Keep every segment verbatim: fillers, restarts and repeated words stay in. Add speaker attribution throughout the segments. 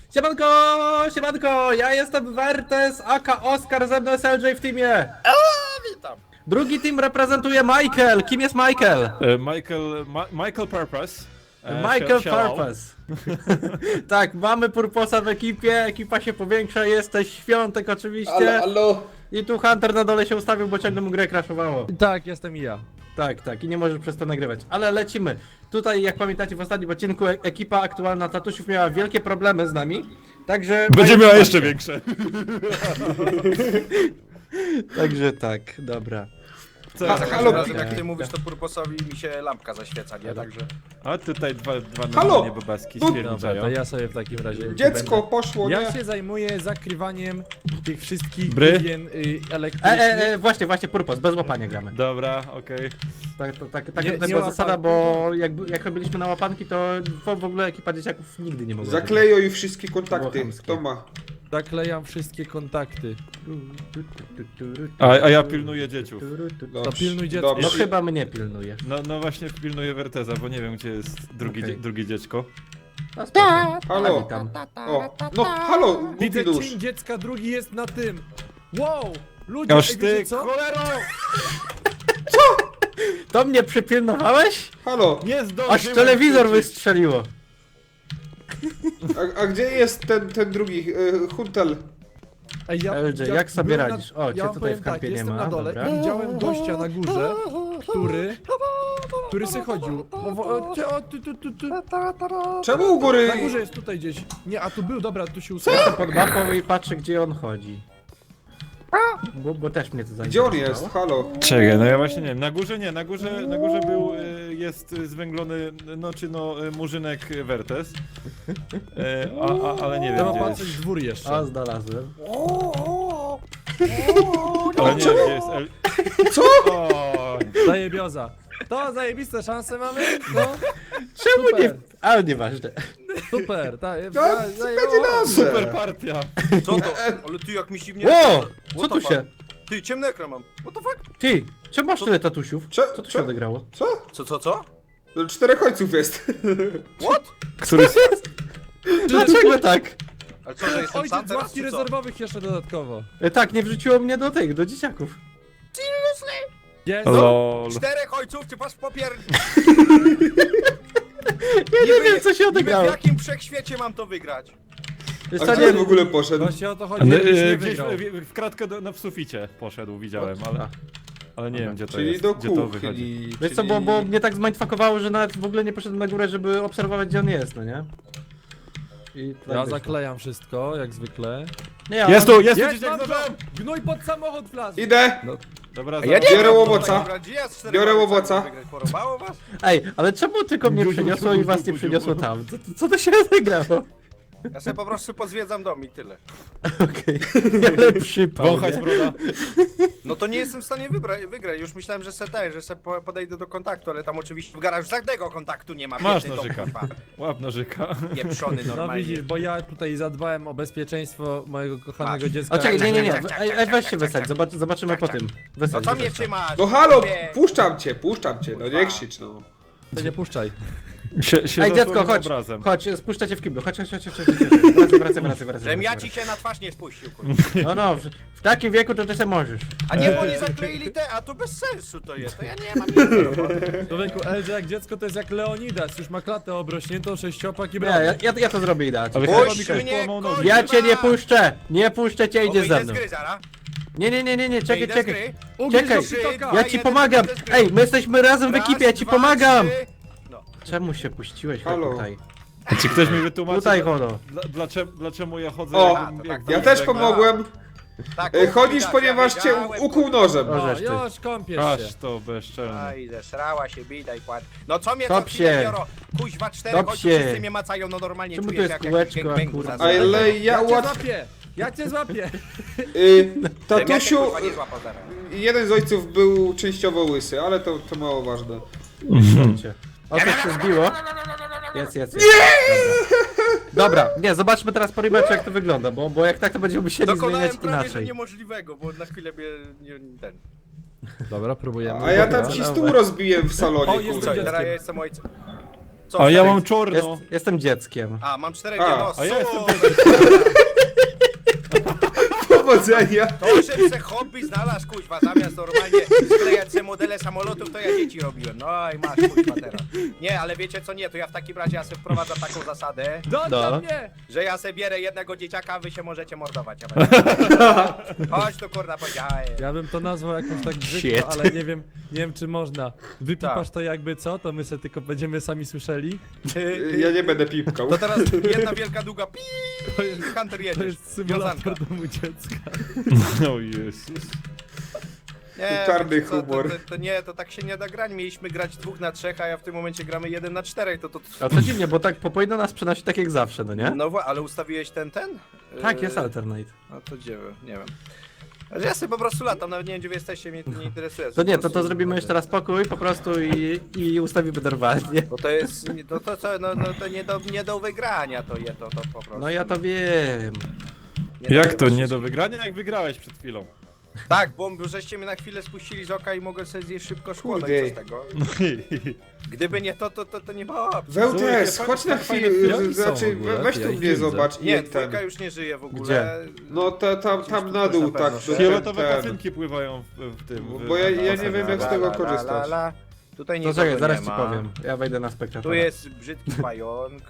Speaker 1: Siemanko, siemanko, ja jestem Wertes, aka Oskar, ze mną jest L J w teamie.
Speaker 2: Witam.
Speaker 1: Drugi team reprezentuje Michael. Kim jest Michael?
Speaker 3: E, Michael, Ma Michael Purpose. E,
Speaker 1: Michael
Speaker 3: się- siadał.
Speaker 1: Purpose. Tak, mamy Purposa w ekipie, ekipa się powiększa, jesteś Świątek oczywiście.
Speaker 2: Allo, allo.
Speaker 1: I tu Hunter na dole się ustawił, bo ciągle mu grę crashowało.
Speaker 4: Tak, jestem i ja.
Speaker 1: Tak, tak, i nie możesz przez to nagrywać. Ale lecimy. Tutaj, jak pamiętacie, w ostatnim odcinku e ekipa aktualna Tatusiów miała wielkie problemy z nami. Także...
Speaker 3: Będzie miała jeszcze większe.
Speaker 1: Także tak, dobra.
Speaker 3: Co?
Speaker 2: Za
Speaker 3: A,
Speaker 2: każdym razem
Speaker 1: okej.
Speaker 2: jak ty mówisz, to Purposowi mi się lampka zaświeca, nie? Także...
Speaker 3: a tutaj dwa, dwa
Speaker 5: Halo!
Speaker 3: normalnie bobaski
Speaker 5: No,
Speaker 4: Dobra,
Speaker 3: stwierdzają.
Speaker 4: to ja sobie w takim razie...
Speaker 5: Dziecko
Speaker 4: będę-
Speaker 5: poszło,
Speaker 4: Ja
Speaker 5: nie?
Speaker 4: się zajmuję zakrywaniem tych wszystkich
Speaker 3: Bry?
Speaker 4: główien y,
Speaker 1: E,
Speaker 4: elektrycznych.
Speaker 1: e, e, właśnie, właśnie, Purpos, bez łapania gramy.
Speaker 3: Dobra, okej.
Speaker 1: Tak, to, tak, tak
Speaker 4: Nie-
Speaker 1: tutaj
Speaker 4: nie
Speaker 1: była
Speaker 4: łapan-
Speaker 1: zasada, bo jak, jak robiliśmy na łapanki, to w, w ogóle ekipa dzieciaków nigdy nie mogła.
Speaker 5: Zakleją i wszystkie kontakty.
Speaker 1: Było chamskie.
Speaker 5: Kto ma?
Speaker 4: Zaklejam wszystkie kontakty.
Speaker 3: A, a ja pilnuję dzieciów.
Speaker 4: To pilnuj dziecko.
Speaker 1: No
Speaker 5: Dobrze.
Speaker 1: chyba mnie pilnujesz.
Speaker 3: No, no właśnie pilnuję Werteza, bo nie wiem gdzie jest drugi,
Speaker 1: Okej.
Speaker 3: dzie drugie dziecko.
Speaker 1: No, spoko.
Speaker 5: Halo.
Speaker 1: A, witam.
Speaker 5: O, no halo,
Speaker 4: Widzę
Speaker 5: głupi nóż.
Speaker 4: cień dziecka, drugi jest na tym. Wow! Ludzie,
Speaker 3: Aż
Speaker 4: ej,
Speaker 3: ty,
Speaker 4: wiecie co?
Speaker 3: cholero!
Speaker 1: To mnie przypilnowałeś?
Speaker 5: Halo,
Speaker 3: Nie zdążyłem
Speaker 1: Aż telewizor
Speaker 3: wrócić.
Speaker 1: wystrzeliło.
Speaker 5: a, a gdzie jest ten, ten drugi, y, Huntel?
Speaker 4: Ej, ja,
Speaker 1: L J, jak sobie
Speaker 4: byłem
Speaker 1: radzisz? O, cię
Speaker 4: ja wam
Speaker 1: tutaj
Speaker 4: powiem
Speaker 1: w kampie
Speaker 4: tak,
Speaker 1: nie
Speaker 4: jestem
Speaker 1: ma,
Speaker 4: na dole
Speaker 1: dobra.
Speaker 4: i widziałem gościa na górze, który... który se chodził. O, o, cie- o, tu, tu, tu, tu.
Speaker 5: Czemu u góry?
Speaker 4: Na górze jest tutaj gdzieś. Nie, a tu był, dobra, tu się
Speaker 1: Jestem
Speaker 4: ustawił.
Speaker 1: pod mapą i patrzę, gdzie on chodzi. Bo, bo też mnie to
Speaker 5: Gdzie on
Speaker 1: zainteresowało.
Speaker 5: jest? Halo.
Speaker 3: Czekaj, no ja właśnie nie wiem. Na górze nie, na górze, na górze był, y, jest y, zwęglony, no czy no, y, murzynek Wertes. Y, a, a, ale nie wiem
Speaker 4: Trzeba
Speaker 3: gdzie
Speaker 4: patrzeć
Speaker 3: jest.
Speaker 4: w dwór jeszcze.
Speaker 1: A, znalazłem.
Speaker 3: Ale nie wiem gdzie jest El...
Speaker 5: Co?
Speaker 3: O,
Speaker 4: Zajebioza. To zajebiste szanse mamy? No,
Speaker 1: Czemu nie...
Speaker 4: super,
Speaker 1: Ale nieważne.
Speaker 4: super. Ta,
Speaker 5: No,
Speaker 4: ta,
Speaker 5: będzie dobrze.
Speaker 3: super partia.
Speaker 2: Co to? Ale ty jak mi się mnie...
Speaker 1: Ło! Co
Speaker 2: What
Speaker 1: tu
Speaker 2: the
Speaker 1: się...
Speaker 2: fuck? Ty, ciemny ekran mam. What the fuck?
Speaker 1: Ty, czemu masz tyle tatusiów?
Speaker 5: Cze-
Speaker 1: Co tu się
Speaker 5: cze-
Speaker 1: odegrało?
Speaker 5: Co?
Speaker 2: Co, co, co?
Speaker 5: No, czterech ojców jest.
Speaker 2: What?
Speaker 3: Który...
Speaker 1: Dlaczego tak?
Speaker 2: Ale co, że jestem sam
Speaker 4: Ojciec z
Speaker 2: teraz,
Speaker 4: ławki
Speaker 2: czy co?
Speaker 4: rezerwowych jeszcze dodatkowo.
Speaker 1: E, Tak, nie wrzuciło mnie do tych, do dzieciaków.
Speaker 4: Jest.
Speaker 3: Lol.
Speaker 2: Czterech ojców, czy masz popier...
Speaker 1: Ja nie
Speaker 2: Niby-
Speaker 1: wiem, co się
Speaker 2: niby
Speaker 1: odegrało.
Speaker 2: w jakim wszechświecie mam to wygrać?
Speaker 1: Wiesz
Speaker 5: A
Speaker 1: co,
Speaker 5: gdzie
Speaker 1: nie,
Speaker 5: on w ogóle poszedł?
Speaker 4: Właśnie o to chodzi,
Speaker 3: Ale,
Speaker 4: żebyś nie
Speaker 3: e, gdzieś
Speaker 4: wygrał.
Speaker 3: w, w kratkę do, no, w suficie poszedł, widziałem, ale,
Speaker 1: A.
Speaker 3: ale nie wiem gdzie to
Speaker 5: Czyli
Speaker 3: jest,
Speaker 5: do
Speaker 3: gdzie to wychodzi.
Speaker 5: kuchni.
Speaker 1: Wiesz co, bo, bo mnie tak zmindfuckowało, że nawet w ogóle nie poszedłem na górę, żeby obserwować, gdzie on jest, no nie? I tak
Speaker 4: Ja
Speaker 1: wyszło.
Speaker 4: zaklejam wszystko, jak zwykle.
Speaker 1: Nie, ja
Speaker 3: Jest tu, jest tu
Speaker 4: Jest,
Speaker 3: dzieciak
Speaker 4: mam
Speaker 3: z
Speaker 4: go!
Speaker 3: nożem!
Speaker 4: Gnój pod samochód wlazł!
Speaker 5: Idę.
Speaker 3: Dobra,
Speaker 2: A ja nie
Speaker 3: zaraz-
Speaker 5: Biorę
Speaker 2: wiem,
Speaker 5: łowoca.
Speaker 2: to gdzie ja z czterech
Speaker 5: Biorę
Speaker 2: ojcami
Speaker 5: łowoca.
Speaker 2: wygrać? Porobało was?
Speaker 1: Ej, ale czemu tylko mnie
Speaker 3: Guziu,
Speaker 1: przyniosło i
Speaker 3: guziu,
Speaker 1: was nie
Speaker 3: guziu.
Speaker 1: przyniosło tam? Co, co to się odegrało?
Speaker 2: Ja sobie po prostu pozwiedzam dom i tyle.
Speaker 1: Okej, ale przypał,
Speaker 3: Wąchać
Speaker 1: nie?
Speaker 3: broda.
Speaker 2: No to nie jestem w stanie wybra- wygrać. Już myślałem, że se tak, że se po- podejdę do kontaktu, ale tam oczywiście w garażu żadnego kontaktu nie ma.
Speaker 3: Masz
Speaker 2: biedny dom,
Speaker 3: nożyka.
Speaker 2: kurwa.
Speaker 3: Łap nożyka.
Speaker 2: Pieprzony
Speaker 4: No
Speaker 2: normalnie.
Speaker 4: widzisz, bo ja tutaj zadbałem o bezpieczeństwo mojego kochanego
Speaker 2: Masz.
Speaker 4: dziecka.
Speaker 1: O czekaj, nie, nie, nie,
Speaker 2: Tak, tak,
Speaker 1: ej,
Speaker 2: tak,
Speaker 1: ej,
Speaker 2: tak,
Speaker 1: weź
Speaker 2: tak,
Speaker 1: się
Speaker 2: tak,
Speaker 1: wysadź,
Speaker 2: tak.
Speaker 1: zobacz, zobaczymy
Speaker 2: Tak,
Speaker 1: po
Speaker 2: tak.
Speaker 1: tym.
Speaker 2: No
Speaker 1: Wysadź,
Speaker 2: co mnie
Speaker 1: wysadź.
Speaker 2: trzymasz?
Speaker 5: No halo,
Speaker 2: Wie.
Speaker 5: puszczam cię, puszczam cię, no nie krzycz no.
Speaker 4: To nie puszczaj.
Speaker 3: Sie, się
Speaker 1: Ej, dziecko,
Speaker 3: zasłonił
Speaker 1: chodź,
Speaker 3: obrazem.
Speaker 1: chodź, spuszczę cię w kiblu, chodź, chodź, chodź, chodź, chodź, chodź. Wracaj, wracaj, wracaj, wracaj.
Speaker 2: Żem ja
Speaker 1: wracaj.
Speaker 2: ci się na twarz nie spuścił, kurwa.
Speaker 1: No, no, w, w takim wieku to ty se możesz.
Speaker 2: A nie, bo oni zakleili te, a to bez sensu to jest, to ja nie mam nic do roboty.
Speaker 4: Człowieku, L J jak dziecko to jest jak Leonidas, już ma klatę obrośniętą, sześciopak i
Speaker 1: Nie,
Speaker 4: brawo.
Speaker 1: ja, ja, ja to zrobię idealnie.
Speaker 3: Ale
Speaker 2: Puść
Speaker 3: chyba mi ktoś
Speaker 2: mnie,
Speaker 3: połamał nogi.
Speaker 2: kurwa!
Speaker 1: Ja cię nie puszczę! Nie puszczę cię,
Speaker 2: Bo
Speaker 1: idziesz ze
Speaker 2: wyjdę
Speaker 1: mną.
Speaker 2: z gry, zara.
Speaker 1: Nie, nie, nie, nie, nie, czekaj,
Speaker 2: Wyjdę z
Speaker 1: czekaj.
Speaker 2: gry.
Speaker 4: Ugryź
Speaker 1: czekaj.
Speaker 4: do przytoka.
Speaker 1: Ja
Speaker 2: A,
Speaker 1: ci
Speaker 2: jeden
Speaker 1: pomagam!
Speaker 2: wyjdę z gry.
Speaker 1: Ej, my jesteśmy razem w
Speaker 2: Raz,
Speaker 1: ekipie, ja ci
Speaker 2: dwa,
Speaker 1: pomagam!
Speaker 2: trzy. No.
Speaker 1: Czemu się puściłeś
Speaker 5: Halo.
Speaker 1: tutaj?
Speaker 3: Czy ktoś mi wytłumaczy,
Speaker 1: Tutaj,
Speaker 3: dla-
Speaker 1: Hono.
Speaker 3: dla- dlaczego, dlaczego ja chodzę
Speaker 5: O,
Speaker 3: jak,
Speaker 2: tak,
Speaker 3: jak
Speaker 2: tak.
Speaker 5: Ja
Speaker 3: jak
Speaker 5: też
Speaker 3: węgla?
Speaker 5: pomogłem.
Speaker 2: Tak,
Speaker 5: E, Chodzisz,
Speaker 2: widać,
Speaker 5: ponieważ
Speaker 2: ja
Speaker 5: cię
Speaker 2: wiedziałem,
Speaker 5: ukuł nożem.
Speaker 1: O,
Speaker 4: No,
Speaker 1: żeż ty.
Speaker 4: już kąpiesz się.
Speaker 3: Aż to bezczelne.
Speaker 2: Aj, zesrała się, bida i kład. No co mnie
Speaker 1: Top
Speaker 2: co chwilę
Speaker 1: się.
Speaker 2: biorą? Kuźwa, czterech
Speaker 1: Top
Speaker 2: ojców,
Speaker 1: się.
Speaker 2: wszyscy mnie macają, no normalnie
Speaker 1: Czemu
Speaker 2: czuję
Speaker 1: tu
Speaker 2: się
Speaker 1: jest
Speaker 2: jak
Speaker 1: kółeczko,
Speaker 2: jakiś gangbangu
Speaker 1: kurwa?
Speaker 2: za
Speaker 5: Ale ja
Speaker 4: Ja cię
Speaker 5: łat...
Speaker 4: złapię! Ja cię złapię!
Speaker 5: Y,
Speaker 2: Żem ja cię,
Speaker 5: tatusiu,
Speaker 2: kurwa, nie złapał zaraz.
Speaker 5: jeden z ojców był częściowo łysy, ale to, to mało ważne.
Speaker 1: Cię. O, coś się zbiło. Jest, jest, jest. Dobra. Dobra, nie, zobaczmy teraz po rematchu jak to wygląda, bo, bo jak tak to będziemy musieli
Speaker 2: Dokonałem
Speaker 1: zmieniać
Speaker 2: prawie, że
Speaker 1: inaczej.
Speaker 2: niemożliwego, bo na chwilę mnie nie, ten...
Speaker 4: Dobra, próbujemy.
Speaker 5: A ja tam
Speaker 1: Dobra,
Speaker 5: ci
Speaker 1: dobra.
Speaker 5: stół rozbiłem w
Speaker 4: O,
Speaker 5: salonie,
Speaker 4: jest
Speaker 2: Co,
Speaker 5: kurwa.
Speaker 4: dzieckiem.
Speaker 2: teraz ja jestem ojcem. Co,
Speaker 3: A ja
Speaker 2: czterech-
Speaker 3: mam czorno.
Speaker 1: Jest, jestem dzieckiem.
Speaker 2: A, mam czterech
Speaker 5: A,
Speaker 2: diagnoz.
Speaker 3: a ja jestem
Speaker 5: Powodzenia!
Speaker 2: To, że se hobby znalazł, kuźwa, zamiast normalnie sklejać se modele samolotów, to ja dzieci robiłem. No i masz, kuźwa, teraz. Nie, ale wiecie co, nie, to ja w takim razie ja sobie wprowadzam taką zasadę,
Speaker 4: Doń
Speaker 1: No.
Speaker 4: do mnie!
Speaker 2: że ja sobie bierę jednego dzieciaka, a wy się możecie mordować. Ja będę- Chodź tu, kurna, powiedziałem.
Speaker 4: Ja bym to nazwał jakoś tak
Speaker 1: Shit.
Speaker 4: brzydko, ale nie wiem, nie wiem czy można. Wypipasz
Speaker 2: Tak.
Speaker 4: to jakby co, to my sobie tylko będziemy sami słyszeli.
Speaker 5: Ja nie będę pipkał.
Speaker 2: To teraz jedna wielka długa pi.
Speaker 4: To jest,
Speaker 2: Hunter
Speaker 4: to
Speaker 2: jedziesz.
Speaker 4: jest symulator
Speaker 2: Wiązanka.
Speaker 4: domu dziecka.
Speaker 3: O Jezus.
Speaker 2: Nie,
Speaker 5: Czarny
Speaker 2: wiecie co,
Speaker 5: humor.
Speaker 2: To, to, to nie, to tak się nie da grać. Mieliśmy grać dwóch na trzech, a ja w tym momencie gramy jeden na czterech. To, to, to...
Speaker 1: A to dziwnie, bo tak po powinno nas przenosić tak jak zawsze, no nie?
Speaker 2: No wa- ale ustawiłeś ten, ten?
Speaker 1: Tak,
Speaker 2: Yy,
Speaker 1: jest alternate.
Speaker 2: No to gdzie wy? Nie wiem. Ale ja sobie po prostu latam, nawet nie wiem gdzie wy jesteście, mnie to nie interesuje.
Speaker 1: To nie,
Speaker 2: Po
Speaker 1: to to
Speaker 2: prostu-
Speaker 1: zrobimy jeszcze raz pokój po prostu i, i ustawimy normalnie.
Speaker 2: Bo to jest, to, to co, no, no to nie do, nie do wygrania to je, to, to po prostu.
Speaker 1: No ja to wiem.
Speaker 2: Nie
Speaker 3: Jak to
Speaker 2: do-
Speaker 3: nie do wygrania, jak wygrałeś przed chwilą?
Speaker 2: Tak, bo żeście mnie na chwilę spuścili z oka i mogę sobie zjeść szybko szkło, no
Speaker 5: Kurde.
Speaker 2: i co z tego? Gdyby nie to, to, to, to nie ma opcji.
Speaker 5: Wełtes,
Speaker 3: Słuchaj,
Speaker 5: chodź na
Speaker 3: fajne
Speaker 5: chwilę,
Speaker 4: filmiki są
Speaker 5: znaczy
Speaker 4: w ogóle,
Speaker 5: weź
Speaker 4: ja
Speaker 5: tu
Speaker 4: ich
Speaker 5: mnie
Speaker 4: nie
Speaker 5: zobacz
Speaker 2: Nie,
Speaker 5: i ten.
Speaker 2: dwójka już nie żyje w ogóle.
Speaker 1: Gdzie?
Speaker 5: No ta, tam, tam na
Speaker 2: Gdzieś tu
Speaker 5: dół,
Speaker 2: na
Speaker 5: tak,
Speaker 2: pewno,
Speaker 5: że
Speaker 2: że-
Speaker 3: Fioletowe
Speaker 5: ten, ten.
Speaker 3: pacynki pływają w, w tym. w-
Speaker 5: Bo ja- ja
Speaker 3: w-
Speaker 5: nie wiem, jak z
Speaker 2: La,
Speaker 5: tego
Speaker 2: la, la,
Speaker 5: korzystać.
Speaker 2: la, la. Tutaj
Speaker 1: To
Speaker 2: nikogo
Speaker 1: czekaj, zaraz
Speaker 2: nie
Speaker 1: ci
Speaker 2: ma.
Speaker 1: powiem. Ja wejdę na
Speaker 2: Tu
Speaker 1: spektatora.
Speaker 2: jest brzydki pająk.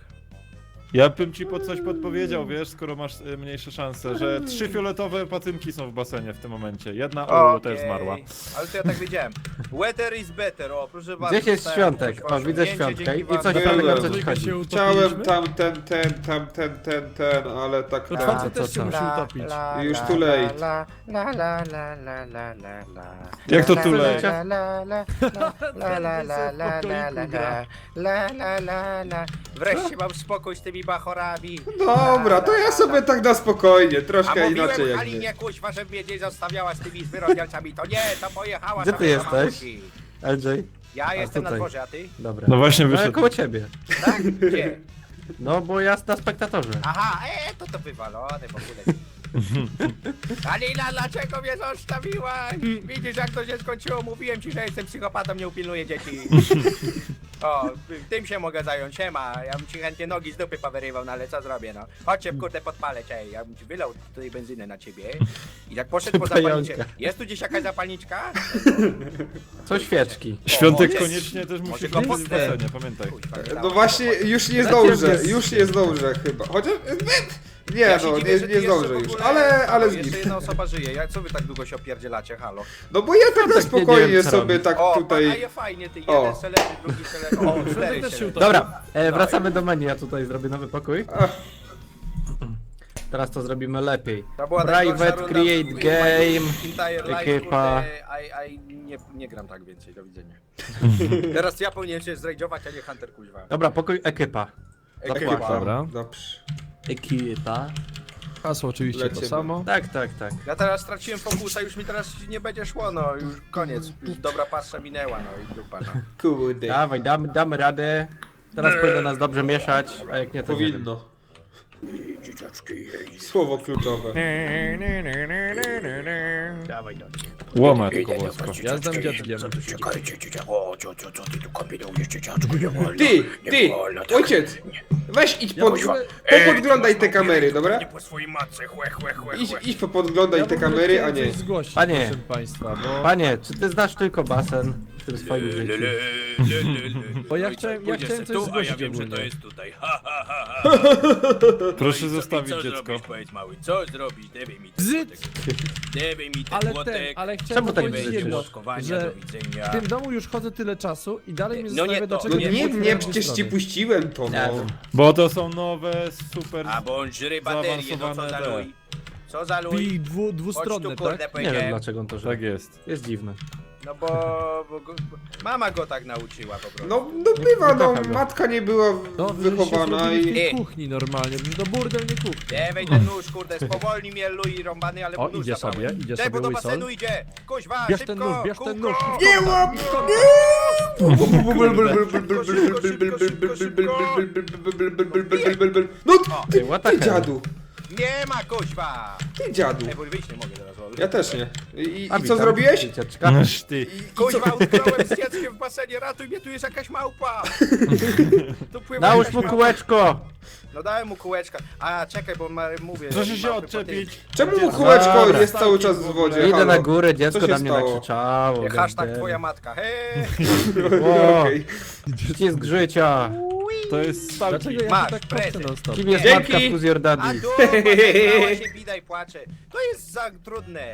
Speaker 3: Ja bym ci pod coś podpowiedział, wiesz, skoro masz y, mniejsze szanse, że trzy fioletowe pacynki są w basenie w tym momencie. Jedna o
Speaker 2: Okej.
Speaker 3: też zmarła.
Speaker 2: Ale to ja tak wiedziałem. Weather is better, o proszę bardzo.
Speaker 1: Gdzieś jest
Speaker 2: dostałem
Speaker 1: świątek.
Speaker 2: jakieś
Speaker 1: O,
Speaker 2: wasze
Speaker 1: widzę
Speaker 2: ujęcie,
Speaker 1: świątkę.
Speaker 2: dzięki
Speaker 1: I
Speaker 2: wam.
Speaker 1: coś
Speaker 5: Byłem.
Speaker 1: fajnego co ci
Speaker 4: Trójkę
Speaker 1: chodzi.
Speaker 4: się
Speaker 5: Chciałem
Speaker 4: utopiliśmy?
Speaker 5: tam ten, ten, tam ten, ten, ten, ten, ale tak
Speaker 4: To
Speaker 5: ten.
Speaker 4: czwarty
Speaker 1: to
Speaker 4: też się
Speaker 1: co?
Speaker 4: musi utopić.
Speaker 5: Już too late.
Speaker 2: La, la, la, la, la, la, la, la.
Speaker 3: Jak to
Speaker 2: La,
Speaker 3: too
Speaker 2: la,
Speaker 3: late?
Speaker 2: la, la, la, la, la, la, la, la, la, la. La, la, la, la. Wreszcie mam spokój z tymi bachorami.
Speaker 5: Dobra, to ja sobie tak na spokojnie,
Speaker 2: A
Speaker 5: troszkę inaczej
Speaker 2: mówiłem
Speaker 5: jak
Speaker 2: Halinie,
Speaker 5: nie.
Speaker 2: kuźwa, że mnie nie zostawiała z tymi zwyrodnialcami. To nie, to pojechała
Speaker 1: Gdzie
Speaker 2: sobie
Speaker 1: ty
Speaker 2: do
Speaker 1: jesteś?
Speaker 2: mamusi.
Speaker 1: L J?
Speaker 2: Ja jestem na
Speaker 1: tutaj.
Speaker 2: dworze, a ty?
Speaker 1: Dobra.
Speaker 3: No właśnie
Speaker 1: No ja
Speaker 3: wyszedł.
Speaker 1: koło ciebie.
Speaker 2: Tak? Gdzie?
Speaker 1: No bo ja na spektatorze.
Speaker 2: Aha, e, to to wywalone w ogóle. Alina, dlaczego mnie zostawiłaś? Widzisz jak to się skończyło? Mówiłem ci, że jestem psychopatą, nie upilnuję dzieci. O, tym się mogę zająć, siema. Ja bym ci chętnie nogi z dupy powyrywał, no ale co zrobię, no. Chodźcie, kurde, podpalę cię. Ja bym ci wylał tutaj benzynę na ciebie. I tak poszedł po zapalniczkę.
Speaker 1: Pająka.
Speaker 2: Jest tu gdzieś jakaś zapalniczka?
Speaker 1: Co świeczki.
Speaker 3: Świątek
Speaker 2: O,
Speaker 3: koniecznie też musi
Speaker 2: Może
Speaker 3: być
Speaker 2: go
Speaker 3: w
Speaker 2: postę.
Speaker 3: basenie, pamiętaj.
Speaker 2: Kuźwa, nie
Speaker 5: No
Speaker 2: dało
Speaker 5: właśnie,
Speaker 2: się
Speaker 5: już nie
Speaker 1: Na
Speaker 5: zdążę,
Speaker 1: ciebie
Speaker 5: już nie zdążę chyba. Chociaż... Nie
Speaker 2: Ja się
Speaker 5: no,
Speaker 2: dziwię,
Speaker 5: nie,
Speaker 2: że ty
Speaker 5: nie
Speaker 2: jeszcze
Speaker 5: zdążę
Speaker 2: w
Speaker 5: już,
Speaker 2: ogóle-
Speaker 5: ale, ale
Speaker 2: Jeszcze
Speaker 5: zgib.
Speaker 2: jedna osoba żyje, jak co wy tak długo się opierdzielacie, halo?
Speaker 5: No bo ja tak na
Speaker 1: nie wiem,
Speaker 5: spokojnie
Speaker 1: co
Speaker 5: sobie
Speaker 1: robić.
Speaker 5: tak
Speaker 2: O, a
Speaker 5: tutaj...
Speaker 2: je fajnie, ty,
Speaker 5: O.
Speaker 2: jeden seleży, drugi seleży, o, cztery
Speaker 4: Świątek też się
Speaker 2: seleży.
Speaker 4: utopił.
Speaker 1: Dobra, e, wracamy do menu. Ja tutaj zrobię nowy pokój.
Speaker 5: Ach,
Speaker 1: Teraz to zrobimy lepiej.
Speaker 2: To była najgorsza
Speaker 1: Private
Speaker 2: runda
Speaker 1: Create
Speaker 2: w moim
Speaker 1: Game.
Speaker 2: entire life,
Speaker 1: ekipa.
Speaker 2: kurde, I, I nie, nie gram tak więcej, do widzenia. Teraz ja powinienem się zrejdować, a nie Hunter kuźwa.
Speaker 1: Dobra, pokój ekipa.
Speaker 2: Ekipa.
Speaker 1: Dokładnie.
Speaker 4: Dobra.
Speaker 5: dobrze.
Speaker 1: Ekipa.
Speaker 4: Hasło oczywiście
Speaker 5: Lecimy.
Speaker 4: to samo.
Speaker 1: Tak, tak, tak.
Speaker 2: Ja teraz straciłem fokusa, już mi teraz nie będzie szło, no już koniec, już dobra pasa minęła, no i dupa, no.
Speaker 5: Kurde.
Speaker 1: Dawaj, damy, damy radę. Teraz powinno nas dobrze mieszać, a jak nie to nie wiem.
Speaker 5: Powinno. Słowo kluczowe.
Speaker 1: Dawaj, dawaj.
Speaker 3: Łoma tylko włosko.
Speaker 4: Ja znam dziadkiem.
Speaker 5: Ty, ty, ojciec! Weź idź pod... Popodglądaj te kamery, dobra?
Speaker 2: Po swojej matce, chłe, chłe, chłe,
Speaker 5: Idź,
Speaker 2: chłe.
Speaker 5: idź popodglądaj te kamery, a nie...
Speaker 4: Coś zgłosić,
Speaker 1: Panie.
Speaker 4: proszę państwa, bo,
Speaker 1: Panie, czy ty znasz tylko basen w tym swoim życiu?
Speaker 4: bo ja chciałem, ja chciałem coś zgłosić ogólnie.
Speaker 2: tutaj.
Speaker 3: Proszę zostawić dziecko.
Speaker 2: Powiedz mały, co zrobić? Dewaj mi
Speaker 4: Bzyt!
Speaker 2: Dewaj mi
Speaker 4: Ale ten, ale chciałem
Speaker 1: Czemu tak
Speaker 4: powiedzieć
Speaker 1: bzyczysz?
Speaker 4: jedno,
Speaker 2: Łoskowania,
Speaker 4: że
Speaker 2: do widzenia.
Speaker 4: w tym domu już chodzę tyle czasu i dalej mnie
Speaker 2: No
Speaker 4: zastanawia,
Speaker 2: nie to,
Speaker 4: dlaczego
Speaker 5: No
Speaker 2: nie,
Speaker 5: nie,
Speaker 4: wchodzę
Speaker 5: nie,
Speaker 4: na
Speaker 5: przecież
Speaker 4: dwie
Speaker 5: ci
Speaker 4: strony.
Speaker 5: puściłem to,
Speaker 1: Nie
Speaker 5: no.
Speaker 1: wiem.
Speaker 3: Bo to są nowe, super...
Speaker 2: A bądź żyry baterię, no co za
Speaker 3: Zaawansowane
Speaker 2: luj? Co za luj?
Speaker 4: I dwu,
Speaker 2: Chodź tu,
Speaker 4: dwustronne,
Speaker 2: kurde,
Speaker 4: tak?
Speaker 1: Nie wiem
Speaker 2: powiedziałem.
Speaker 1: dlaczego on to żyje.
Speaker 3: Tak jest.
Speaker 1: Jest dziwne.
Speaker 2: No bo, bo go, bo mama go tak nauczyła po prostu.
Speaker 5: No, no bywa, no,
Speaker 1: kocha go.
Speaker 5: matka nie była
Speaker 4: No, wy
Speaker 5: wychowana
Speaker 4: się zrobili w
Speaker 5: i...
Speaker 4: tej
Speaker 2: I-
Speaker 4: kuchni normalnie, przecież to burdel nie kuchni.
Speaker 2: Dewaj ten nóż, kurde, spowolni mnie luj rąbany, ale
Speaker 4: O,
Speaker 2: mu nóż
Speaker 4: idzie
Speaker 2: zabrałem.
Speaker 4: sobie, idzie
Speaker 2: Daj, bo
Speaker 4: sobie
Speaker 2: do
Speaker 4: łysol.
Speaker 2: basenu idzie! Kuźwa,
Speaker 4: Bierz
Speaker 2: szybko,
Speaker 4: ten nóż, bierz ten
Speaker 2: kółko!
Speaker 4: nóż.
Speaker 5: Nie łap! No
Speaker 2: O,
Speaker 5: ty,
Speaker 1: Ej, what the
Speaker 5: ty
Speaker 1: hell?
Speaker 5: dziadu,
Speaker 2: Nie ma kuźwa!
Speaker 5: ty dziadu.
Speaker 2: Ej, bo wyjść nie mogę teraz, lol.
Speaker 5: Ja też nie. I,
Speaker 1: A,
Speaker 5: i co
Speaker 1: witam,
Speaker 5: zrobiłeś?
Speaker 1: dzieciaczka.
Speaker 3: Noż ty.
Speaker 2: Kuźwa, utknąłem z dzieckiem w basenie, ratuj mnie, tu jest jakaś małpa! Tu pływa
Speaker 1: Nałóż
Speaker 2: jakaś
Speaker 1: mu
Speaker 2: małpa.
Speaker 1: kółeczko!
Speaker 2: No dałem mu kółeczka. A, czekaj, bo ma, mówię...
Speaker 3: Proszę się
Speaker 2: małpy
Speaker 3: odczepić.
Speaker 5: Czemu
Speaker 3: Dziecko.
Speaker 5: kółeczko
Speaker 1: Dobra.
Speaker 5: jest cały czas w wodzie?
Speaker 1: Idę
Speaker 5: Halo?
Speaker 1: na górę, dziecko
Speaker 5: Co się
Speaker 1: na mnie
Speaker 5: stało?
Speaker 1: nakrzyczało.
Speaker 2: potem- Hashtag
Speaker 1: goddamn.
Speaker 2: twoja matka, hej!
Speaker 1: O,
Speaker 5: Okej.
Speaker 1: Ścisk życia.
Speaker 3: To jest stałki.
Speaker 4: Dlaczego ja
Speaker 2: Masz,
Speaker 4: tu tak
Speaker 2: prezent.
Speaker 4: patrzę non stop?
Speaker 1: Kim jest
Speaker 5: Dzięki.
Speaker 1: matka plus
Speaker 2: A
Speaker 1: Jordanii?
Speaker 2: tu, zagrała się, bida i płacze. To jest za trudne.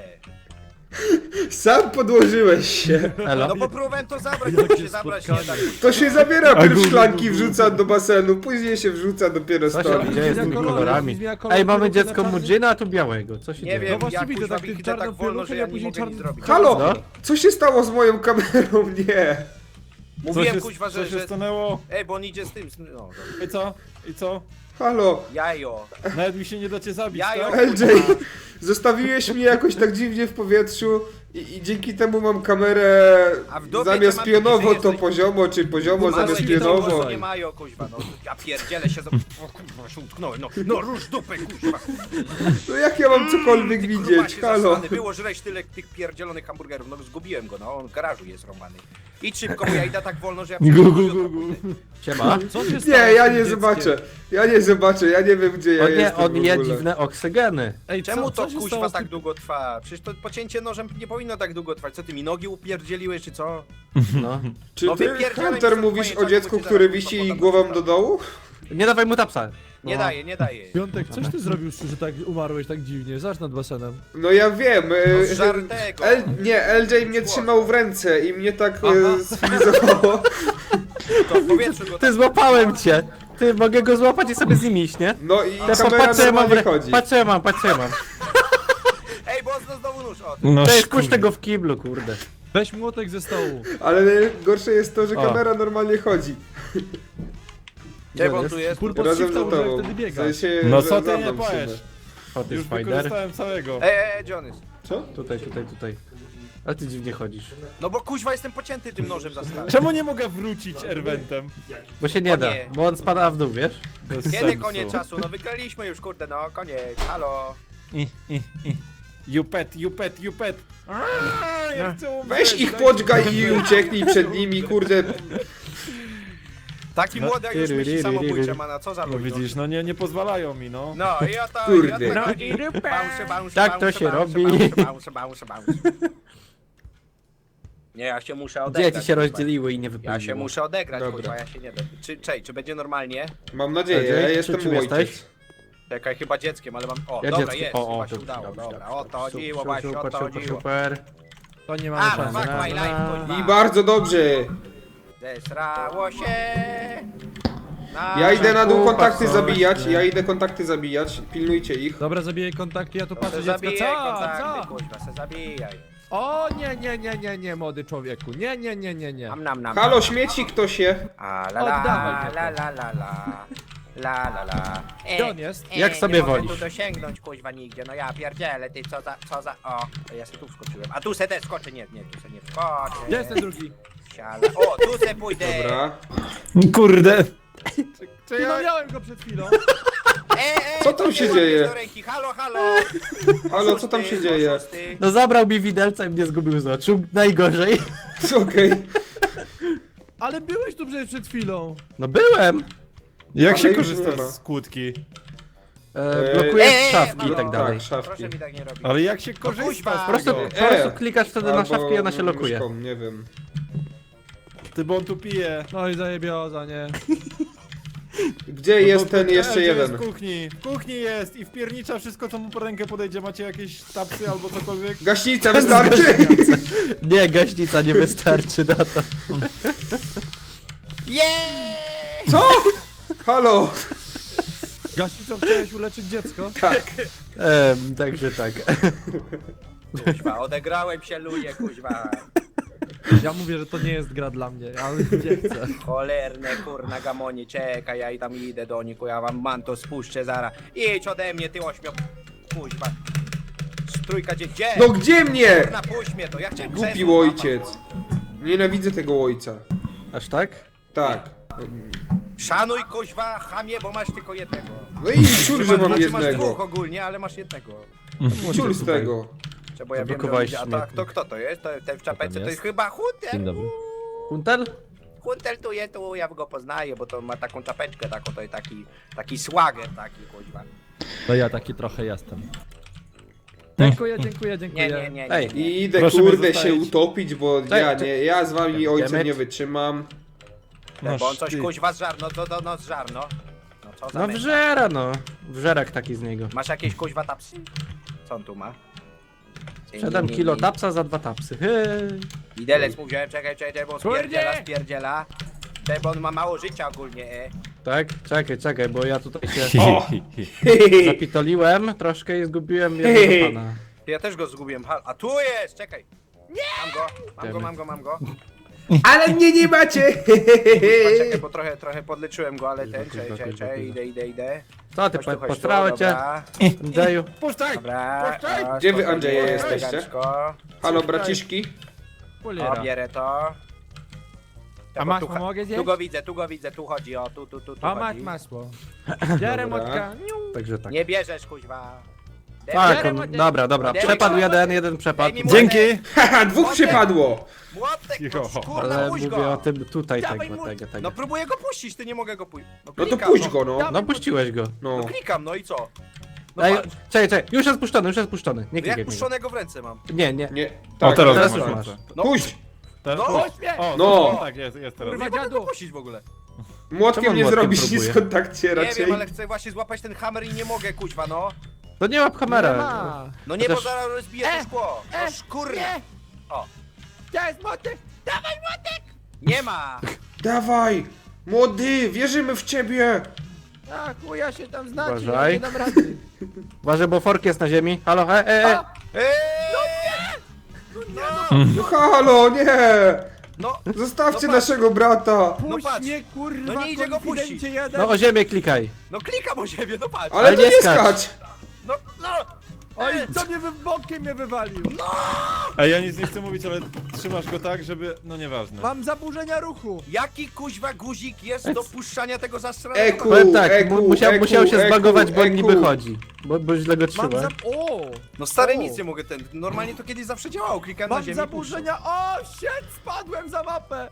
Speaker 5: Sam podłożyłeś się.
Speaker 1: Elo?
Speaker 2: No bo próbowałem to zabrać,
Speaker 4: Jakie
Speaker 2: to się zabrać nie da.
Speaker 4: spotkanie.
Speaker 5: To się zabiera,
Speaker 3: A
Speaker 5: pierw
Speaker 3: gu, gu,
Speaker 5: szklanki
Speaker 3: gu, gu.
Speaker 5: wrzuca do basenu, później się wrzuca dopiero
Speaker 1: Co się
Speaker 5: stoli.
Speaker 1: dzieje z tymi
Speaker 4: Zmienia kolory,
Speaker 1: kolorami?
Speaker 4: zmienia kolory,
Speaker 1: Ej, mamy
Speaker 4: kolory
Speaker 1: dziecko
Speaker 4: na czarny.
Speaker 1: Mudzina, a tu białego. Co się
Speaker 2: Nie
Speaker 1: dzieje?
Speaker 2: wiem,
Speaker 4: No właśnie
Speaker 2: ja
Speaker 4: widzę,
Speaker 2: kuźwa
Speaker 4: tak
Speaker 2: widzę
Speaker 4: czarną
Speaker 2: tak wolno,
Speaker 4: pieluchę,
Speaker 2: że
Speaker 4: a
Speaker 2: ja nie
Speaker 4: później
Speaker 2: mogę nic
Speaker 4: czarny-
Speaker 2: zrobić.
Speaker 5: Halo!
Speaker 1: No.
Speaker 5: Co się stało z moją kamerą? Nie.
Speaker 3: Co
Speaker 2: Mówiłem
Speaker 3: się,
Speaker 2: kuźwa,
Speaker 3: co
Speaker 2: że...
Speaker 3: się
Speaker 2: że...
Speaker 3: stanęło?
Speaker 2: Ej, bo on idzie z tym... No, dobra.
Speaker 3: I co? I co?
Speaker 5: Halo,
Speaker 2: Jajo.
Speaker 3: Nawet mi się nie dacie zabić,
Speaker 2: Jajo.
Speaker 3: tak?
Speaker 5: L J, zostawiłeś mnie jakoś tak dziwnie w powietrzu i, i dzięki temu mam kamerę
Speaker 2: A w dupie
Speaker 5: zamiast
Speaker 2: to mam
Speaker 5: pionowo
Speaker 2: nadzieję,
Speaker 5: to
Speaker 2: że-
Speaker 5: poziomo, czy poziomo
Speaker 2: Małe
Speaker 5: zamiast
Speaker 2: dzieci to
Speaker 5: pionowo.
Speaker 2: nie mają, kuźwa, no. Ja pierdzielę się za... O kurwa, się utknąłem, no. No rusz dupę, kuźwa.
Speaker 5: No jak ja mam cokolwiek
Speaker 2: Ty
Speaker 5: widzieć,
Speaker 2: grubasie
Speaker 5: halo.
Speaker 2: zasrany. Było żreć tyle tych pierdzielonych hamburgerów, no zgubiłem go, no. On w garażu jest rąbany. Idź szybko, bo ja idę tak wolno, że ja...
Speaker 3: Gu, gu, gu, gu.
Speaker 1: Siema.
Speaker 4: Co się
Speaker 5: Nie,
Speaker 4: stało
Speaker 5: ja
Speaker 4: z tym
Speaker 5: nie
Speaker 4: dzieckiem?
Speaker 5: zobaczę. Ja nie zobaczę, ja nie wiem gdzie ja
Speaker 1: On, nie,
Speaker 5: jestem
Speaker 1: on
Speaker 5: w
Speaker 1: je
Speaker 5: ogóle.
Speaker 1: dziwne oksygeny.
Speaker 4: Ej,
Speaker 2: Czemu
Speaker 4: co,
Speaker 2: to
Speaker 4: co się
Speaker 2: kuźwa
Speaker 4: stało z
Speaker 2: tak
Speaker 4: tym-
Speaker 2: długo trwa? Przecież to pocięcie nożem nie powinno tak długo trwać. Co ty mi nogi upierdzieliłeś, czy co?
Speaker 1: No.
Speaker 5: Czy
Speaker 2: No
Speaker 5: ty,
Speaker 2: wypierdzielaj mi
Speaker 5: Hunter,
Speaker 2: stąd
Speaker 5: mówisz
Speaker 2: moje
Speaker 5: o
Speaker 2: czapy,
Speaker 5: dziecku,
Speaker 2: bo ci
Speaker 5: które
Speaker 2: zaraz
Speaker 5: wisi
Speaker 2: podam
Speaker 5: głową
Speaker 2: do
Speaker 5: do dołu?
Speaker 1: Nie dawaj mu tapsa.
Speaker 2: Nie
Speaker 1: No.
Speaker 2: daje, nie daje.
Speaker 4: Piątek, coś ty zrobił, że tak umarłeś tak dziwnie? Zaś nad basenem.
Speaker 5: No ja wiem. e,
Speaker 2: No z żartego.
Speaker 5: L, nie, L J mnie trzymał w ręce i mnie tak
Speaker 4: Aha.
Speaker 5: e, sfilizowało.
Speaker 2: To w powietrzu go
Speaker 1: Ty, złapałem cię. Ty, mogę go złapać i sobie z nim iść, nie?
Speaker 5: No i
Speaker 1: Ja
Speaker 5: kamera
Speaker 1: patrzę, mam,
Speaker 5: normalnie
Speaker 1: w-
Speaker 5: chodzi.
Speaker 1: patrzę, mam, patrzę, mam.
Speaker 2: Ej, bo on znowu nóż, o.
Speaker 3: No,
Speaker 1: To jest
Speaker 3: kurde.
Speaker 1: puść tego w kiblu, kurde.
Speaker 4: Weź młotek ze stołu.
Speaker 5: Ale gorsze jest to, że
Speaker 1: O.
Speaker 5: kamera normalnie chodzi.
Speaker 2: Gdzie on tu jest?
Speaker 4: Kurwa,
Speaker 5: Razem
Speaker 4: shifta
Speaker 5: za
Speaker 4: użyłeś,
Speaker 5: tobą.
Speaker 4: wtedy
Speaker 5: W
Speaker 4: biega.
Speaker 5: sensie,
Speaker 3: No
Speaker 5: że
Speaker 3: co ty
Speaker 5: za
Speaker 3: nie
Speaker 5: mną w
Speaker 3: powiesz?
Speaker 5: sumie.
Speaker 1: Hot
Speaker 3: Już
Speaker 1: is spider.
Speaker 3: wykorzystałem całego.
Speaker 2: Ej, ej, ej, gdzie on jest?
Speaker 5: Co?
Speaker 1: Tutaj, tutaj, tutaj. Ale ty dziwnie chodzisz.
Speaker 2: No bo kuźwa jestem pocięty tym nożem za stary.
Speaker 3: Czemu nie mogę wrócić Erwentem?
Speaker 1: Bo się nie
Speaker 2: O
Speaker 1: da,
Speaker 2: nie.
Speaker 1: bo on spada w dół, wiesz?
Speaker 3: Bez
Speaker 2: Kiedy
Speaker 3: sensu.
Speaker 2: koniec czasu? No wygraliśmy już, kurde, no koniec, halo.
Speaker 3: I, i, i. You pet, you pet, you pet. Aaaa, ja chcę umrzeć,
Speaker 5: Weź ich
Speaker 3: dajcie
Speaker 5: podźgaj
Speaker 3: mi
Speaker 5: i
Speaker 3: umrzeć.
Speaker 5: ucieknij przed nimi, kurde.
Speaker 2: Taki młody, jak już myśli
Speaker 1: Tyry,
Speaker 2: samobójcze,
Speaker 1: tyry.
Speaker 2: mana, co za
Speaker 3: No
Speaker 2: ludzi.
Speaker 3: widzisz, no nie, nie pozwalają mi, no.
Speaker 2: No i o to,
Speaker 5: Kurde.
Speaker 2: i o to
Speaker 5: No
Speaker 2: chodzi. Bounce, bounce,
Speaker 1: Tak to
Speaker 2: bounce,
Speaker 1: się
Speaker 2: bounce,
Speaker 1: robi.
Speaker 2: bounce, bounce, bounce, bounce. Nie, ja się muszę odegrać.
Speaker 1: Dzieci się
Speaker 2: kurwa.
Speaker 1: rozdzieliły i nie wypełniło.
Speaker 2: Ja się muszę odegrać,
Speaker 5: Dobra.
Speaker 2: kurwa, ja się nie dam. Czy, czej, czy będzie normalnie?
Speaker 5: Mam nadzieję,
Speaker 1: L J,
Speaker 5: ja
Speaker 1: czy-
Speaker 5: jestem
Speaker 1: czym
Speaker 5: ojciec.
Speaker 1: jesteś?
Speaker 2: Czekaj, chyba dzieckiem, ale mam... O,
Speaker 1: Ja
Speaker 2: dobra,
Speaker 1: dziecko.
Speaker 2: jest,
Speaker 1: O, o,
Speaker 2: chyba się
Speaker 1: dobrze,
Speaker 2: udało,
Speaker 1: dobrze,
Speaker 2: dobra.
Speaker 1: dobrze.
Speaker 2: O to chodziło,
Speaker 1: Super,
Speaker 2: właśnie, o
Speaker 1: super,
Speaker 2: to
Speaker 1: super,
Speaker 2: chodziło.
Speaker 1: super.
Speaker 4: To nie
Speaker 2: A,
Speaker 4: mamy szansy.
Speaker 2: fuck my life, kurwa.
Speaker 5: I bardzo dobrze.
Speaker 2: Zesrało się. Na
Speaker 5: Ja idę na dół
Speaker 1: Kupa,
Speaker 5: kontakty
Speaker 1: coś,
Speaker 5: zabijać,
Speaker 1: nie?
Speaker 5: ja idę kontakty zabijać. Pilnujcie ich.
Speaker 4: Dobra, zabijaj kontakty, ja tu
Speaker 2: Se
Speaker 4: patrzę dziecko.
Speaker 2: zabijaj
Speaker 4: Co?
Speaker 2: kontakty,
Speaker 4: Co?
Speaker 2: kurwa, se zabijaj.
Speaker 4: O nie, nie, nie, nie, nie, młody człowieku. Nie, nie, nie, nie, nie.
Speaker 2: Nam, nam, nam.
Speaker 5: Halo,
Speaker 2: nam.
Speaker 5: śmieci kto się?
Speaker 2: A la la
Speaker 4: Oddawaj
Speaker 2: la
Speaker 4: go.
Speaker 2: la la la la la la. E,
Speaker 4: Gdzie on jest?
Speaker 2: e,
Speaker 1: Jak sobie
Speaker 2: nie mogę
Speaker 1: wolisz.
Speaker 2: tu dosięgnąć kuźwa nigdzie, no ja pierdzielę, ty co za, co za, o, to ja se tu wskoczyłem, a tu se też skoczę, nie, nie, tu se nie wskoczę.
Speaker 4: Gdzie jest ten drugi?
Speaker 2: Siala. O, tu se pójdę.
Speaker 5: Dobra.
Speaker 3: Kurde.
Speaker 2: Czy
Speaker 4: Ty,
Speaker 2: ja...
Speaker 4: no miałem go przed chwilą.
Speaker 2: e, e,
Speaker 5: Co tam
Speaker 2: to
Speaker 5: się
Speaker 2: nie
Speaker 5: dzieje?
Speaker 2: łapiesz do ręki. Halo, halo.
Speaker 5: Halo, co tam się
Speaker 2: Oszusty,
Speaker 5: dzieje?
Speaker 2: oszusty.
Speaker 1: No zabrał mi widelca i mnie zgubił z oczu. Najgorzej.
Speaker 5: Okej.
Speaker 4: Ale byłeś tu przecież przed chwilą.
Speaker 1: No byłem.
Speaker 3: Jak
Speaker 5: Ale
Speaker 3: się
Speaker 5: już
Speaker 3: korzysta
Speaker 5: nie ma.
Speaker 3: z kłódki?
Speaker 1: E,
Speaker 5: Eee,
Speaker 1: blokujesz
Speaker 2: eee,
Speaker 1: szafki i
Speaker 2: no,
Speaker 1: tak dalej.
Speaker 5: Tak, szafki.
Speaker 2: Proszę mi tak nie robić.
Speaker 3: Ale jak się korzysta
Speaker 2: kuźwa.
Speaker 3: z
Speaker 1: Po prostu,
Speaker 3: tego?
Speaker 1: po prostu
Speaker 5: E,
Speaker 1: klikasz wtedy na
Speaker 5: Albo
Speaker 1: szafkę i ona się lokuje.
Speaker 5: myszką, nie wiem.
Speaker 3: Ty, bo on tu pije.
Speaker 4: No i zajebioza, nie?
Speaker 5: Gdzie
Speaker 3: No
Speaker 5: jest
Speaker 3: bo-
Speaker 5: ten
Speaker 3: e,
Speaker 5: jeszcze
Speaker 3: gdzie
Speaker 5: jeden?
Speaker 3: Jest w kuchni. W kuchni jest i wpiernicza wszystko, co mu po rękę podejdzie. Macie jakieś tapsy albo cokolwiek?
Speaker 5: Gaśnica wystarczy?
Speaker 1: Nie, gaśnica nie wystarczy na to.
Speaker 2: Jeee!
Speaker 5: Co? Halo?
Speaker 4: Gaśnicą chciałeś uleczyć dziecko?
Speaker 5: Tak.
Speaker 1: Ehm, także tak.
Speaker 2: Kuźwa, odegrałem się, luję, kuźwa.
Speaker 4: Ja mówię, że to nie jest gra dla mnie, ale nie chcę.
Speaker 2: Cholerne kurna gamonie, czekaj, ja i tam idę do nich, ja wam manto spuszczę zara. Idź ode mnie, ty ośmio... Kuźwa. Trójka gdzie? Gdzie?
Speaker 5: No gdzie mnie?
Speaker 2: Kurna, puść mnie to, ja chciałem
Speaker 5: Głupi
Speaker 2: krzesło
Speaker 5: ojciec. Nienawidzę tego ojca.
Speaker 1: Aż tak?
Speaker 5: Tak.
Speaker 2: złapać. Szanuj kuźwa, chamie, bo masz tylko jednego.
Speaker 5: No i ciul, że mam
Speaker 2: Znaczy, masz
Speaker 5: jednego.
Speaker 2: dwóch ogólnie, ale masz jednego.
Speaker 5: Ciul z tego.
Speaker 2: Czy bo ja wiem, że
Speaker 1: Zablokowałeś
Speaker 2: ludzie- a to,
Speaker 1: śmietnik.
Speaker 2: kto, kto to jest? To, ten w czapeczce to
Speaker 1: jest?
Speaker 2: jest chyba Hunter.
Speaker 4: Dzień dobry.
Speaker 1: Kuntel?
Speaker 2: Hunter tu jest, tu ja go poznaję, bo to ma taką czapeczkę, taką, to jest taki, taki swagger taki, kuźwa.
Speaker 4: No ja taki trochę jestem. Dziękuję, dziękuję, dziękuję.
Speaker 2: Nie, nie, nie, nie.
Speaker 1: Ej,
Speaker 2: nie.
Speaker 5: I idę
Speaker 3: Proszę mnie
Speaker 5: kurde się
Speaker 3: zostawić.
Speaker 5: utopić, bo
Speaker 1: Czekaj,
Speaker 5: ja
Speaker 1: czekaj.
Speaker 5: nie, ja z wami ojcem
Speaker 1: Idziemy.
Speaker 5: nie wytrzymam.
Speaker 2: Bo on coś
Speaker 3: ty.
Speaker 2: kuźwa zżar, no to, to no zżar, no. No co za
Speaker 1: no
Speaker 2: męża.
Speaker 1: wżera no. Wżerak taki z niego.
Speaker 2: Masz jakieś kuźwa tapsy? Co on tu ma?
Speaker 1: siedem kilo tapsa za dwa tapsy. Hej.
Speaker 2: Widelec mu wziąłem, czekaj, czekaj, czekaj, bo on
Speaker 4: Kurde!
Speaker 2: spierdziela, spierdziela. Czekaj, bo on ma mało życia ogólnie, e.
Speaker 1: Tak? Czekaj, czekaj, bo ja tutaj się
Speaker 5: O!
Speaker 1: zapitoliłem troszkę i zgubiłem jednego pana.
Speaker 2: Ja też go zgubiłem, ha- a tu jest, czekaj. Mam go, mam go, mam go, mam go.
Speaker 5: Ale mnie nie macie!
Speaker 2: Poczekaj, bo trochę, trochę podleczyłem go, ale ten, czekaj, czekaj, czekaj, idę, idę, idę.
Speaker 1: Co ty,
Speaker 2: Chodź tu,
Speaker 1: po-
Speaker 2: chodź tu,
Speaker 1: postrały cię,
Speaker 2: dobra.
Speaker 1: Andrzeju?
Speaker 3: Puszczaj!
Speaker 2: Dobra,
Speaker 3: Puszczaj!
Speaker 2: o,
Speaker 5: Gdzie wy,
Speaker 2: spokojnie,
Speaker 5: Andrzeje, jesteście?
Speaker 2: elegancko.
Speaker 5: Halo braciszki?
Speaker 2: O, bierę to.
Speaker 4: A
Speaker 2: Bo
Speaker 4: masz,
Speaker 2: tu,
Speaker 4: a mogę zjeść?
Speaker 2: tu go widzę, tu go widzę, tu chodzi, o, tu, tu, tu, tu
Speaker 4: A masz
Speaker 2: chodzi.
Speaker 4: masło. Biorę
Speaker 5: Dobra.
Speaker 4: motka.
Speaker 1: Także tak.
Speaker 2: Nie bierzesz, kuźwa.
Speaker 1: Tak,
Speaker 2: Bierę
Speaker 1: on,
Speaker 2: młotek.
Speaker 1: dobra, dobra.
Speaker 2: Daj mi
Speaker 1: Przepadł
Speaker 2: młotek.
Speaker 1: jeden, jeden przepadł.
Speaker 2: Daj mi młotek.
Speaker 3: Dzięki!
Speaker 5: Haha, dwóch przypadło!
Speaker 2: Młotek,
Speaker 3: Cicho.
Speaker 2: no, kurna,
Speaker 1: Ale
Speaker 2: puść
Speaker 1: mówię
Speaker 2: go.
Speaker 1: o tym tutaj
Speaker 2: Dawaj
Speaker 1: tego,
Speaker 2: młotek.
Speaker 1: tego, tego.
Speaker 2: No próbuję go puścić, ty nie mogę go puścić.
Speaker 5: No to
Speaker 2: klikam,
Speaker 5: puść go, no.
Speaker 1: No puściłeś go.
Speaker 2: No
Speaker 5: No.
Speaker 2: klikam, no i co? No
Speaker 1: Ej,
Speaker 2: patrz,
Speaker 1: czekaj, czekaj, już jest puszczony, już jest puszczony. Nie
Speaker 2: no
Speaker 1: klikaj
Speaker 2: jak
Speaker 1: w niego.
Speaker 2: puszczonego w ręce mam.
Speaker 1: Nie, nie.
Speaker 5: Nie.
Speaker 3: O,
Speaker 5: Tak,
Speaker 3: teraz,
Speaker 1: teraz
Speaker 3: masz
Speaker 1: już
Speaker 3: ręce.
Speaker 1: masz.
Speaker 2: No,
Speaker 5: Puść!
Speaker 3: Teraz
Speaker 2: No,
Speaker 3: puść.
Speaker 4: mnie.
Speaker 3: O,
Speaker 5: No.
Speaker 3: no. Tak, jest, jest teraz.
Speaker 4: Kurwa,
Speaker 2: nie mogę
Speaker 4: dziadu.
Speaker 2: go puścić w ogóle.
Speaker 5: Młotkiem
Speaker 1: Czemu
Speaker 5: nie
Speaker 1: młotkiem
Speaker 5: zrobisz
Speaker 1: próbuje?
Speaker 5: nic w kontakcie
Speaker 2: Nie
Speaker 5: raczej.
Speaker 2: wiem, ale chcę właśnie złapać ten hammer i nie mogę, kuźwa, no.
Speaker 1: To nie łap
Speaker 4: Nie
Speaker 1: kamerę.
Speaker 4: ma.
Speaker 2: No nie,
Speaker 1: Chociaż-
Speaker 2: bo zaraz rozbiję to
Speaker 4: E,
Speaker 2: szkło. No
Speaker 4: e,
Speaker 2: szkurna.
Speaker 4: nie.
Speaker 2: O,
Speaker 4: Gdzie jest motek?
Speaker 2: nie ma.
Speaker 5: Dawaj! Młody, wierzymy w ciebie!
Speaker 4: A chuja się tam znacie, ja
Speaker 1: Uważaj.
Speaker 4: nie dam rady.
Speaker 1: Uważaj, bo fork jest na ziemi. Halo, e, e, e.
Speaker 2: Eee,
Speaker 5: No halo, nie!
Speaker 2: no,
Speaker 5: Zostawcie
Speaker 2: No patrz.
Speaker 5: naszego brata!
Speaker 4: Puść
Speaker 2: patrz.
Speaker 4: mnie, kurwa,
Speaker 2: No nie idzie go
Speaker 4: konfidencie
Speaker 2: puścić.
Speaker 4: jeden.
Speaker 1: No o ziemię klikaj.
Speaker 2: no klikam o siebie, no patrz.
Speaker 5: Ale
Speaker 1: Ale
Speaker 5: to
Speaker 1: nie
Speaker 5: nie
Speaker 1: skacz.
Speaker 5: skacz!
Speaker 2: No, no.
Speaker 4: Oj, co mnie wy bokiem mnie wywalił?
Speaker 3: Ej, ja nic nie chcę mówić, ale trzymasz go tak, żeby... No nieważne.
Speaker 4: Mam zaburzenia ruchu.
Speaker 2: Jaki kuźwa guzik jest do puszczania tego zastranego?
Speaker 5: Eku,
Speaker 1: Powiem tak,
Speaker 5: eku,
Speaker 1: mu- musiał,
Speaker 5: eku,
Speaker 1: musiał się
Speaker 5: eku,
Speaker 1: zbagować, bo on
Speaker 5: eku.
Speaker 1: niby chodzi. Bo, bo źle go
Speaker 4: Mam
Speaker 1: trzyma.
Speaker 4: za... O!
Speaker 2: No stary,
Speaker 4: O.
Speaker 2: nic nie mogę ten. Normalnie to kiedyś zawsze działało. Klikam na
Speaker 4: Mam
Speaker 2: ziemi.
Speaker 4: zaburzenia. O, shit, spadłem za mapę.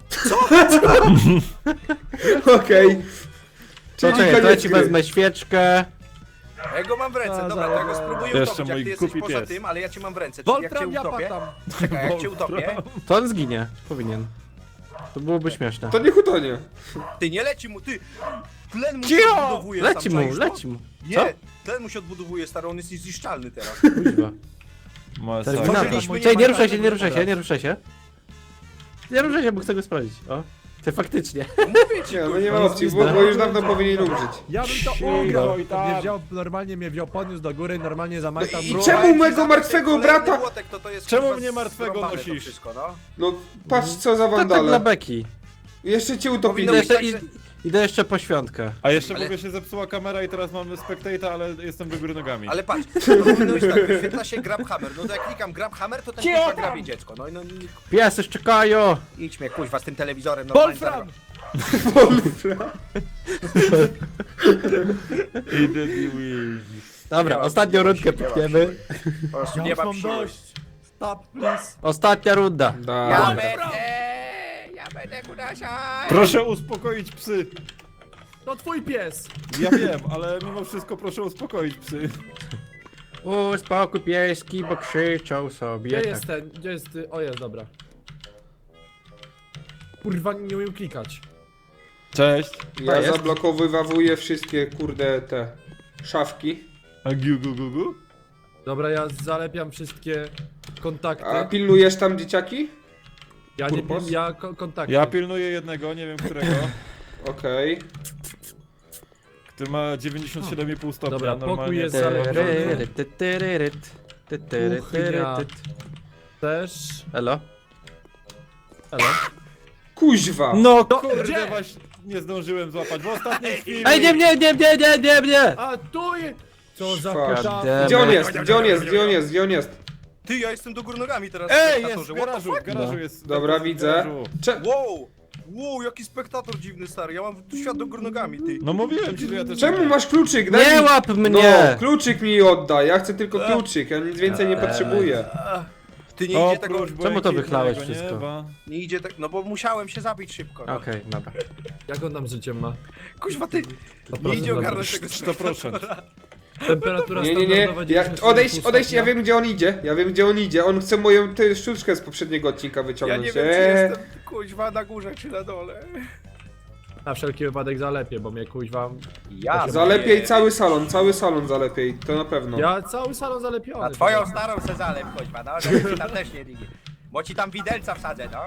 Speaker 5: Okej.
Speaker 1: To
Speaker 5: Czyli
Speaker 1: czekaj, to ja
Speaker 5: koniec
Speaker 1: ci
Speaker 5: gry.
Speaker 1: wezmę świeczkę.
Speaker 2: A ja go mam w ręce,
Speaker 4: A,
Speaker 2: dobra, to ja go
Speaker 4: zaraz.
Speaker 2: spróbuję
Speaker 3: Jeszcze
Speaker 2: utopić, jak
Speaker 3: mój
Speaker 2: ty jesteś
Speaker 3: głupi
Speaker 2: poza
Speaker 3: pies.
Speaker 2: tym, ale ja cię mam w ręce, czyli jak cię
Speaker 4: Wolfram ja
Speaker 2: utopię,
Speaker 4: patam.
Speaker 2: czekaj, jak cię utopię,
Speaker 1: To on zginie. Powinien. To byłoby śmieszne.
Speaker 5: To niech utonie.
Speaker 2: ty nie leci mu, ty, tlen mu się
Speaker 1: Cicho!
Speaker 2: odbudowuje
Speaker 1: Leci
Speaker 2: sam,
Speaker 1: mu,
Speaker 2: czaisz to?
Speaker 1: leci mu. Co?
Speaker 2: Nie, tlen mu się odbudowuje, stary, on jest niezniszczalny teraz.
Speaker 1: Kuźwa.
Speaker 3: Masakra.
Speaker 1: Terminator.
Speaker 2: Stworzyliśmy
Speaker 1: Czekaj, nie ruszaj się,
Speaker 2: niemalże
Speaker 1: nie ruszaj się,
Speaker 2: teraz.
Speaker 1: nie ruszaj się. Nie ruszaj się, bo chcę go sprawdzić. O. Ty faktycznie.
Speaker 2: Mówię ci,
Speaker 5: Nie, no
Speaker 2: kurwa.
Speaker 5: nie ma opcji, bo, bo już dawno powinien umrzeć.
Speaker 4: Ja bym to
Speaker 1: Cicho.
Speaker 4: ugrał.
Speaker 3: I
Speaker 4: To
Speaker 3: tam.
Speaker 4: mnie wziął, normalnie mnie wziął, podniósł do góry, normalnie zamajtał.
Speaker 5: I
Speaker 4: mnie.
Speaker 5: czemu
Speaker 2: Słuchaj,
Speaker 5: mego
Speaker 2: ci
Speaker 5: martwego
Speaker 2: zamknę
Speaker 5: brata-
Speaker 2: kolejny młotek, to to jest,
Speaker 3: Czemu
Speaker 2: kurwa,
Speaker 3: mnie martwego
Speaker 2: zrąbane to
Speaker 3: nosisz?
Speaker 2: wszystko, no.
Speaker 5: No patrz co za
Speaker 1: To tak dla
Speaker 5: wandale.
Speaker 1: beki.
Speaker 5: Jeszcze cię
Speaker 2: Powinno
Speaker 5: utopili.
Speaker 1: Idę
Speaker 2: być
Speaker 1: jeszcze,
Speaker 2: tak,
Speaker 1: i,
Speaker 2: że-
Speaker 1: idę jeszcze po świątkę.
Speaker 3: A jeszcze
Speaker 2: Ale-
Speaker 3: mówię, się zepsuła kamera i teraz mamy spectator, ale jestem do góry nogami.
Speaker 2: Ale patrz, to powinno być tak, wyświetla się grab hammer, no to jak klikam grab hammer, to ten kuźwa grabie dziecko, no i no
Speaker 1: Piesy czekają.
Speaker 2: idź mnie kuźwa z tym telewizorem, normalnie
Speaker 4: Wolfram!
Speaker 3: Idę i win.
Speaker 1: Dobra,
Speaker 2: Ja-
Speaker 1: ostatnią
Speaker 2: ja-
Speaker 1: rundkę
Speaker 2: ja-
Speaker 1: pikniemy.
Speaker 2: po prostu
Speaker 4: Ja
Speaker 2: nie
Speaker 4: już
Speaker 2: mam
Speaker 4: mam
Speaker 2: siły.
Speaker 4: dość. Stop, please.
Speaker 1: Ostatnia runda.
Speaker 2: Ja
Speaker 5: Da.
Speaker 2: będę, ja będę kudasiaj.
Speaker 3: Proszę uspokoić psy.
Speaker 4: To twój pies.
Speaker 3: Ja wiem, ale mimo wszystko proszę uspokoić psy.
Speaker 1: Uspokój pieski, bo krzyczą
Speaker 4: Gdzie
Speaker 1: sobie. Tak.
Speaker 4: jest ten? Gdzie jest... y- O, jest, dobra. Kurwa, nie umiem klikać.
Speaker 3: Cześć.
Speaker 5: Ja
Speaker 1: jest.
Speaker 5: zablokowywawuję wszystkie kurde te szafki.
Speaker 3: A giu gu gu gu?
Speaker 4: Dobra, ja zalepiam wszystkie kontakty.
Speaker 5: A pilnujesz tam dzieciaki?
Speaker 4: Ja nie
Speaker 5: Purpos?
Speaker 4: pil, ja ko kontakty.
Speaker 3: Ja pilnuję jednego, nie wiem którego.
Speaker 5: Okej.
Speaker 3: Który ma dziewięćdziesiąt siedem i pół stopnia.
Speaker 4: Dobra, pokój
Speaker 3: normalnie.
Speaker 4: jest
Speaker 3: to-
Speaker 4: zalepiony.
Speaker 1: Kuchnia.
Speaker 4: Też.
Speaker 1: Elo?
Speaker 4: Elo.
Speaker 5: Kuźwa!
Speaker 3: No
Speaker 4: To
Speaker 3: kurde,
Speaker 4: gdzie?
Speaker 3: właśnie nie zdążyłem złapać. W ostatniej chwili.
Speaker 1: Ej, nie, nie, nie, nie, nie, nie, nie!
Speaker 4: A tu je... Co za
Speaker 5: Fuck.
Speaker 4: kota...
Speaker 5: Gdzie on jest? Gdzie on jest? Gdzie on jest? Gdzie on jest?
Speaker 2: Ty, ja jestem do góry nogami teraz.
Speaker 3: Ej,
Speaker 2: na
Speaker 3: jest
Speaker 2: torze,
Speaker 3: w
Speaker 2: what the
Speaker 3: garażu,
Speaker 2: fuck?
Speaker 3: w garażu
Speaker 1: No.
Speaker 3: jest.
Speaker 5: Dobra,
Speaker 3: w
Speaker 5: widzę.
Speaker 3: garażu.
Speaker 5: Cze
Speaker 2: Wow! Wow, jaki spektator dziwny, stary. Ja mam tu świat do góry nogami, ty.
Speaker 3: No mówiłem ci, że ja też...
Speaker 5: Czemu masz kluczyk? Daj
Speaker 1: Nie
Speaker 5: mi...
Speaker 1: łap mnie!
Speaker 5: No, kluczyk mi oddaj, ja chcę tylko kluczyk, ja nic więcej nie potrzebuję.
Speaker 2: Ty nie idzie tego...
Speaker 3: Oprócz
Speaker 1: Czemu to wychlałeś
Speaker 3: błękitnego
Speaker 1: wszystko?
Speaker 3: nieba.
Speaker 2: Nie idzie tak... No bo musiałem się zabić szybko. No.
Speaker 1: Okej, dobra.
Speaker 4: Jak on tam życiem ma?
Speaker 2: Kuźwa, ty... Nie
Speaker 4: proszę
Speaker 2: idzie
Speaker 4: bardzo.
Speaker 2: ogarnąć tego
Speaker 3: sto procent.
Speaker 4: Temperatura
Speaker 5: Nie, nie, nie,
Speaker 4: standardowa
Speaker 5: ja,
Speaker 4: dziewięćdziesiąt
Speaker 5: odejść,
Speaker 4: cztery
Speaker 5: odejść, ja
Speaker 4: stopnia.
Speaker 5: wiem gdzie on idzie, ja wiem gdzie on idzie, on chce moją tę sztuczkę z poprzedniego odcinka
Speaker 2: Ja
Speaker 5: wyciągnąć.
Speaker 2: nie wiem, czy
Speaker 5: Eee,
Speaker 2: jestem, kuźwa, na górze, czy na dole.
Speaker 4: Na wszelki wypadek zalepię, bo mnie kuźwa...
Speaker 2: Ja
Speaker 5: Zalepiej cały salon, cały salon zalepiej, to na pewno.
Speaker 4: Ja cały salon zalepiony.
Speaker 2: A twoją starą se zalep, kuźwa, no, żeby ci tam też nie ligi. Bo ci tam widelca wsadzę, no.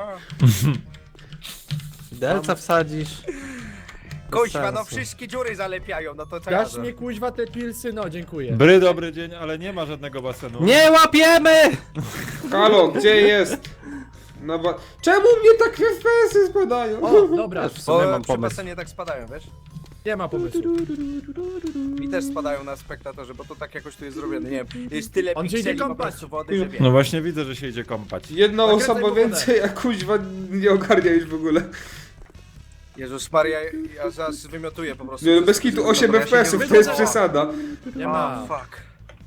Speaker 1: Delca wsadzisz.
Speaker 2: Kuźwa, no
Speaker 1: sensu.
Speaker 2: wszystkie dziury zalepiają, no to co ja
Speaker 4: Dasz
Speaker 2: zrobię?
Speaker 4: mi kuźwa te pilsy, no dziękuję.
Speaker 3: Bry, dobry dzień, ale nie ma żadnego basenu.
Speaker 1: Nie łapiemy!
Speaker 5: Halo, gdzie jest? No bo... Czemu mnie tak F P S-y spadają?
Speaker 4: O, dobra,
Speaker 1: Też w sumie
Speaker 2: Bo
Speaker 1: mam
Speaker 2: przy
Speaker 1: pomysł.
Speaker 2: basenie tak spadają, wiesz?
Speaker 4: nie ma pomysłu.
Speaker 2: Mi też spadają na spektatorze, bo to tak jakoś tu jest zrobione, nie wiem. Jest tyle
Speaker 4: On się idzie
Speaker 2: pikseli po
Speaker 4: kąpać.
Speaker 2: prostu wody, że wiem.
Speaker 3: No właśnie widzę, że się idzie kąpać.
Speaker 5: Jedna
Speaker 4: Nakręcaj
Speaker 5: osoba
Speaker 4: mu wodę.
Speaker 5: więcej, a kuźwa nie ogarnia już w ogóle.
Speaker 2: Jezus Maria, ja zaraz wymiotuję po prostu.
Speaker 5: Nie, no
Speaker 2: wszystko,
Speaker 5: bez kitu
Speaker 2: co
Speaker 5: osiem
Speaker 2: dobra, ja się nie
Speaker 5: F P S-ów, to
Speaker 2: wygodzę.
Speaker 5: jest przesada.
Speaker 4: Nie
Speaker 2: O,
Speaker 4: ma.
Speaker 2: fuck.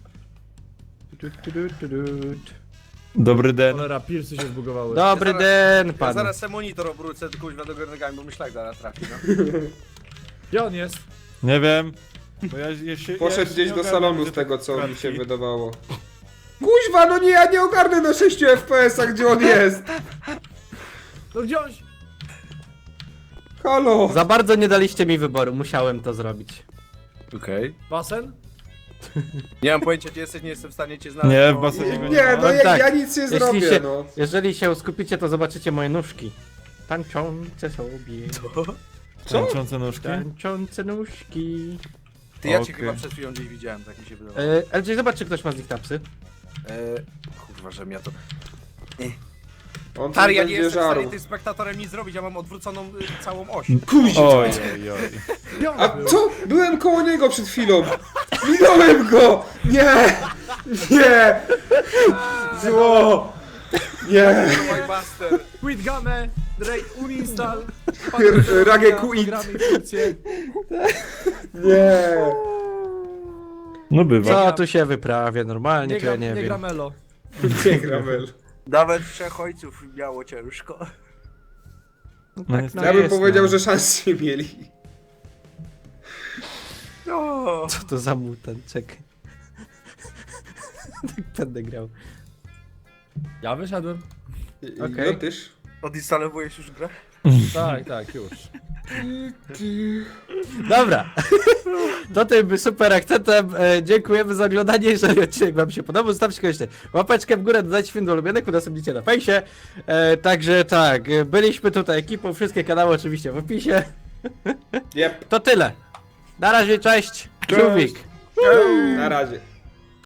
Speaker 3: Dobry den.
Speaker 4: Cholera, pilsy się zbugowały.
Speaker 1: Dobry
Speaker 2: Ja zaraz-
Speaker 1: den,
Speaker 2: Ja
Speaker 1: pan.
Speaker 2: zaraz se monitor obrócę, kuźwa, do góry nogami, bo mi szlak zaraz trafi, no.
Speaker 4: Gdzie on jest?
Speaker 3: Nie wiem. Bo ja, ja się, ja
Speaker 5: Poszedł
Speaker 3: się
Speaker 5: gdzieś
Speaker 3: nie
Speaker 5: do
Speaker 3: ogarniam,
Speaker 5: salonu
Speaker 3: że
Speaker 5: z tego,
Speaker 3: tak
Speaker 5: co mi
Speaker 3: kratki.
Speaker 5: się wydawało. Kuźwa, no nie, ja nie ogarnę na sześciu F P S-ach, gdzie on jest.
Speaker 4: No gdzie on?
Speaker 5: Halo.
Speaker 1: Za bardzo nie daliście mi wyboru, musiałem to zrobić.
Speaker 2: Okej.
Speaker 4: Basen?
Speaker 2: Nie mam pojęcia, gdzie jesteś, nie jestem w stanie cię znaleźć.
Speaker 3: Nie, w
Speaker 2: bo-
Speaker 3: basenie go nie
Speaker 5: Nie,
Speaker 3: ma.
Speaker 5: no ja,
Speaker 1: tak.
Speaker 5: ja nic nie
Speaker 1: Jeśli
Speaker 5: zrobię,
Speaker 1: się,
Speaker 5: no.
Speaker 1: jeżeli się skupicie, to zobaczycie moje nóżki. Tańczące sobie.
Speaker 5: Co?
Speaker 3: Tańczące nóżki?
Speaker 1: Tańczące nóżki.
Speaker 2: Ty, ja cię
Speaker 3: Okej.
Speaker 2: chyba przed chwilą gdzieś widziałem, tak mi się wydawało.
Speaker 1: E, L J, zobacz, czy ktoś ma z nich tapsy.
Speaker 2: E, kurwa, że ja to...
Speaker 5: On tu
Speaker 2: Stary, ja nie
Speaker 5: będzie
Speaker 2: jestem w
Speaker 5: żarł.
Speaker 2: stanie tym spektatorem nic zrobić, ja mam odwróconą y, całą oś.
Speaker 5: Kuźwa.
Speaker 3: Oj, oj, oj.
Speaker 4: Gdzie on
Speaker 5: A
Speaker 4: był?
Speaker 5: co? Byłem koło niego przed chwilą. Minąłem go! Nie! Nie! Zło! Nie!
Speaker 2: My master.
Speaker 4: Quit game! Ray uninstall!
Speaker 5: Rage quit.
Speaker 4: Programy i funkcje.
Speaker 5: Nie!
Speaker 3: No bywa.
Speaker 1: Co tu się wyprawia normalnie,
Speaker 4: Nie
Speaker 1: to ja
Speaker 4: gra,
Speaker 1: nie
Speaker 4: nie
Speaker 1: wiem.
Speaker 4: gra Melo.
Speaker 5: Nie Gramel.
Speaker 2: Nawet trzech ojców miało ciężko.
Speaker 3: No niestety.
Speaker 5: Ja bym
Speaker 1: jest,
Speaker 5: powiedział,
Speaker 1: no.
Speaker 5: że szans nie mieli.
Speaker 2: No.
Speaker 1: Co to za mutant, czekaj. Tak będę grał.
Speaker 4: Ja wyszedłem.
Speaker 1: Okej.
Speaker 5: No tyż.
Speaker 2: Odinstalowujesz już grę?
Speaker 4: Tak, tak, już.
Speaker 1: Dobra. To tym super akcentem e, dziękujemy za oglądanie. Jeżeli odcinek wam się podobał, zostawcie koniecznie łapeczkę w górę, dodajcie film do ulubionych, udostępnijcie na fejsie. E, także tak, e, byliśmy tutaj ekipą, wszystkie kanały oczywiście w opisie.
Speaker 5: Jep.
Speaker 1: To tyle. Na razie, cześć.
Speaker 3: Cześć.
Speaker 1: Żółwik.
Speaker 5: Na razie.